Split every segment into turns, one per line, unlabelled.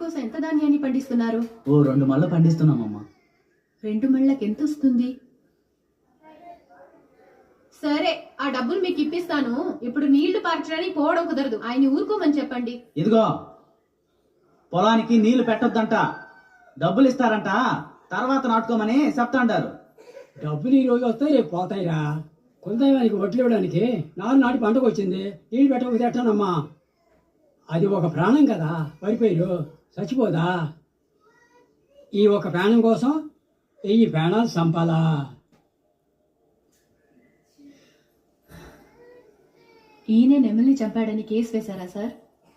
కోసం ఎంత ధాన్యాన్ని పండిస్తున్నారు?
ఓ 2 మళ్ళీ పండిస్తున్నామమ్మా.
2 మళ్ళకి ఎంత వస్తుంది? సరే, ఆ డబ్బులు మీకు ఇప్పిస్తాను. ఇప్పుడు నీళ్లు పార్చడానికి పోవడం కుదరదు. ఆయన ఊరుకోమని చెప్పండి.
ఇదిగో, పొలానికి నీళ్లు పెట్టొద్దంట, డబ్బులు ఇస్తారంట, తర్వాత నాటుకోమని చెప్తాండారు.
డబ్బులు ఈ రోజు వస్తాయి, రేపు పోతాయిరా. కొంతమందికి వడ్లు ఇవ్వడానికి నాటి పంటకు వచ్చింది, నీళ్ళు పెట్టకపోతే ఎట్టానమ్మా? అది ఒక ప్రాణం కదా, వరిపైరు చచ్చిపోదా? ఈ ఒక ప్రాణం కోసం 1000 ప్రాణాలు చంపాలా?
ఈయన నెమల్ని చంపాడని కేసు వేశారా సార్?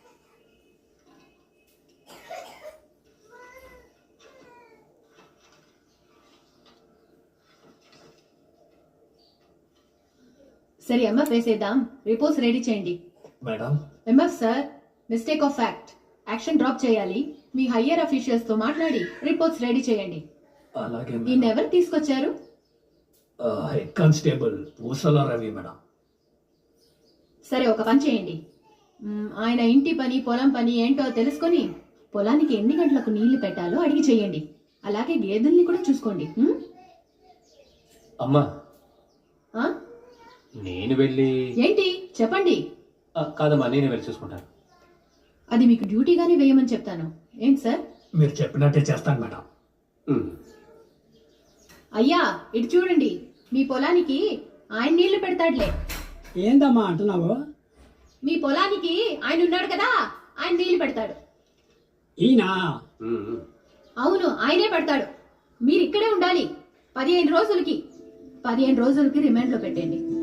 సరే, ఎంఎఫ్ వేసేద్దాం. రిపోర్ట్స్ రెడీ చేయండి.
Madam,
MF sir, mistake of fact. Action drop చేయాలి. మీ హయ్యర్ అఫీషియల్స్ తో మాట్లాడి రిపోర్ట్స్ రెడీ చేయండి.
అలాగే
ఈయన ఎవరు తీసుకొచ్చారు?
హెడ్ కానిస్టేబుల్ పూసల రవి మేడం.
సరే, ఒక పని చేయండి. ఆయన ఇంటి పని, పొలం పని ఏంటో తెలుసుకొని పొలానికి ఎన్ని గంటలకు నీళ్లు పెట్టాలో అడిగి చేయండి. అలాగే గేదెల్ని కూడా చూసుకోండి.
అమ్మా,
ఆ?
నేను వెళ్ళి
ఏంటి చెప్పండి.
కాదమ్మా, నేనే వెళ్ళి చూసుకుంటాను.
అది మీకు డ్యూటీగానే వేయమని చెప్తాను. ఏంటి సార్?
మీరు చెప్పినట్టే చేస్తాను మేడం.
అయ్యా, ఇటు చూడండి. మీ పొలానికి ఆయన నీళ్లు పెడతాడులే.
ఏందమ్మా అంటున్నావు?
మీ పొలానికి ఆయన ఉన్నాడు కదా, ఆయన నీళ్లు పెడతాడు.
ఈయన?
అవును, ఆయనే పెడతాడు. మీరు ఇక్కడే ఉండాలి 15 రోజులకి. 15 రోజులకి రిమాండ్ లో పెట్టండి.